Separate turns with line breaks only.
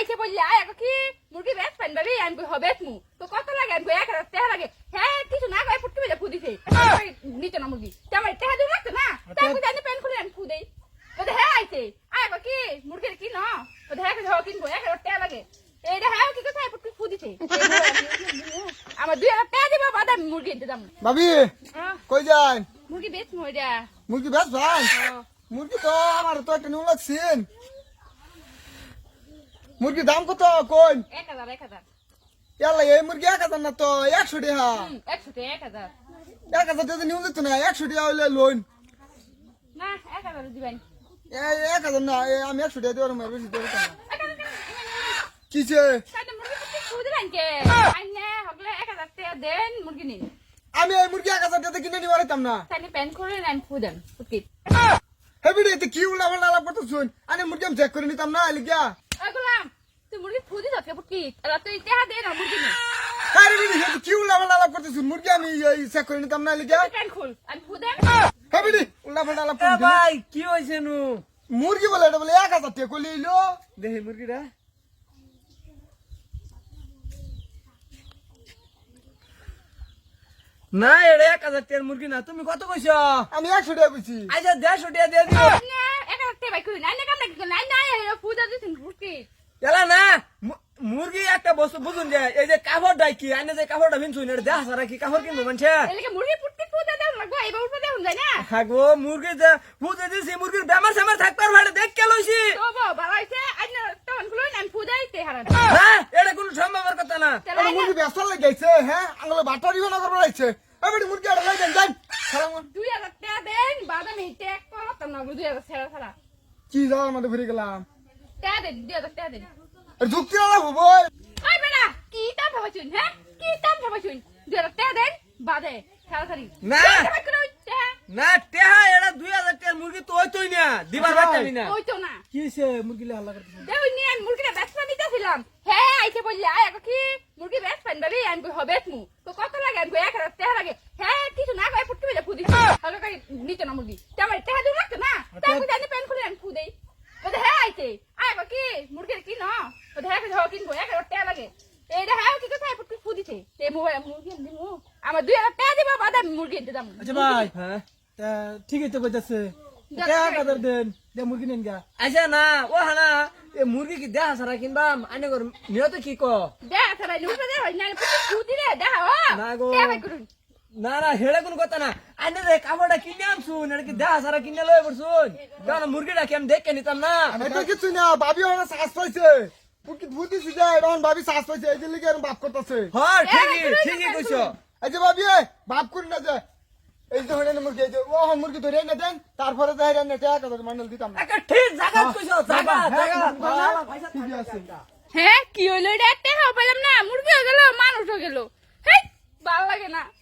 আইছে বললে আয় কি মুরগি বেচ পান ভাবি আমি হবেত মু তো কত লাগে আমি 1000 টাকা লাগে হ্যাঁ কিছু না কই ফুটকি বেজা ফুদিছে নিতে না মুরগি তেমন টাকা দিও লাগতো না তাই জানি পেন খুলে আমি ফুদেই তো হ্যাঁ আইছে আয় কি মুরগির কি না তো হ্যাঁ কিনবো 1000 টাকা লাগে এইটা হ্যাঁ কি কথা ফুটকি ফুদিছে আমার 2000 টাকা দিবা বাদা মুরগি দিতাম
ভাবি কই যান
মুরগি বেচ মইরা
মুরগি বেশ ভাই মুরগি তো আমার তো একটা নিউ লাগছেন মুরগির দাম কত কোন
1000
ইয়াল্লা এই মুরগি 1000 না তো 100 টাকা
100 টাকা
1000 টাকা নিউ দিত না 100 টাকা হইলে লোন
না 1000 দিবেন
1000 না আমি 100 টাকা দেওয়ার মারবে দিতে পারতাম কিছে
তাহলে মুরগি ফুটকি ফুদিলেন কে আইনে হগলে 1000 টাকা দেন মুরগি নিন
আমি এই মুরগি 1000 টাকা কিনে নিতে পারতাম না
তাহলে প্যান করে নেন ফুদেন ফুটকি
হেবি রে কি উলা বলা লাভ করতে শুন আমি মুরগি আমি চেক করে নিতাম না লিগা
আগলাম তুই মুরগি ফুদি যাচ্ছে ফুটকি আর তুই টাকা দে না মুরগি নিন
আরে রে কি উলা বলা লাভ করতে শুন মুরগি আমি চেক করে নিতাম না লিগা
প্যান খুল আমি ফুদেন
হেবি রে উলা বলা লাভ করতে
ভাই কি হইছে নু
মুরগি বলে এটা বলে 1000 টাকা কই লইলো
দেখি মুরগিটা না এড়ে 1000 টাকার মুরগি না তুমি কত কইছো
আমি 100 টাকা কইছি
আচ্ছা 150 টাকা দিয়ে দিও
না একা টাকা বাই কই নাই না কাম নাই নাই নাই ফুদা দিছেন ফুটকি
এলা না মুরগি একটা বস্তু বুঝুন যে এই যে কাপড়টা কি আইনে যে কাপড়টা ভিনছুন এটা দেখ সারা কি কাপড় কিনবো মানছে
এলাকে মুরগি ফুটকি ফুদা দাও লাগবো এবার উপরে দেন যায় না
হাগো মুরগি যে বুঝে দিছি মুরগির বেমার সেমার থাকবার ভাড়া দেখ কে লইছি
তো বাবা আইছে আইনা তখন খুলো না আমি ফুদাইতে হারান
হ্যাঁ এটা কোনো সম্ভবের কথা না
আমার মুরগি ব্যস্ত লাগাইছে হ্যাঁ আঙ্গুলে বাটারি বানা করব রাইছে এবারে মুরগি আর লাগাই দেন সালাম
2000 টাকা দেন বাদাম হিটে এক করতাম না 2000 ছেড়া ছাড়া
কি যাওয়ার মধ্যে ঘুরে গেলাম
টাকা দেন 2000 টাকা দেন
আর যুক্তি না হবো
ওই বেটা কি দাম ভাবাছুন হ্যাঁ কি দাম ভাবাছুন 2000 টাকা দেন বাদে ছাড়া ছাড়ি
না না টেহা এটা 2000 টাকার মুরগি তো হইতোই না দিবার পারতামই না
ওই তো না
কি হইছে মুরগি হাল্লা করতেছে
দেউ নিয়ে মুরগিটা বেচতে নিতেছিলাম হ্যাঁ আইছে বললে আয় কি মুরগি বেচ পান ভাবি আমি হবেত মু তো কত লাগে আমি 1000 টাকা লাগে হ্যাঁ কিছু না কই ফুটকি বেজা ফুদিছে হলো কই নিতে না মুরগি তেমন টাকা দিও লাগতো না তাই জানি পেন খুলে আমি ফুদেই তো হ্যাঁ আইছে আয় কি মুরগির কি না তো হ্যাঁ কিনবো 1000 টাকা লাগে এইটা হ্যাঁ কি কথা ফুটকি ফুদিছে তে মুরগি দিমু আমার 2000 টাকা দিবা বাদা মুরগি দিতাম
আচ্ছা ভাই
হ্যাঁ
তা ঠিকই তো কইতাছে টাকা দেন দে মুরগি নেন গা
আচ্ছা না ও হানা এ মুরগি কি দেহা সারা কিনবা আনে গর নিয়ত কি ক
দেখ সারা নুপে দে হয় না ফুটকি ফুদিরে দেখ ও
না গো
টাকা করুন
না না হেড়ে কোন কথা না আনে রে কাপড়টা কিনে আনছুন এটা কি দেহা সারা কিনে লয়ে পড়ছুন কারণ মুরগিটা কি আমি দেখে নিতাম না
এটা কিছু না ভাবি ওরা শ্বাস পাইছে পুকি ভূতিছি যায় এখন ভাবি শ্বাস পাইছে এই যে লিগে এরকম বাপ করতেছে
হ্যাঁ ঠিকই কইছো
এই যে ভাবি বাপ করি না যে এই যে হরেন মুরগি এই যে ও মুরগি ধরে এনে দেন তারপরে যাই রান্না টাকা কত মান্ডল দিতাম না
একটা ঠিক জায়গা কইছো জায়গা
ঠিক আছে
হ্যাঁ কি হইলো এটা একটা খাওয়া পেলাম না মুরগি হয়ে গেল মানুষ হয়ে গেল হেই ভালো লাগে না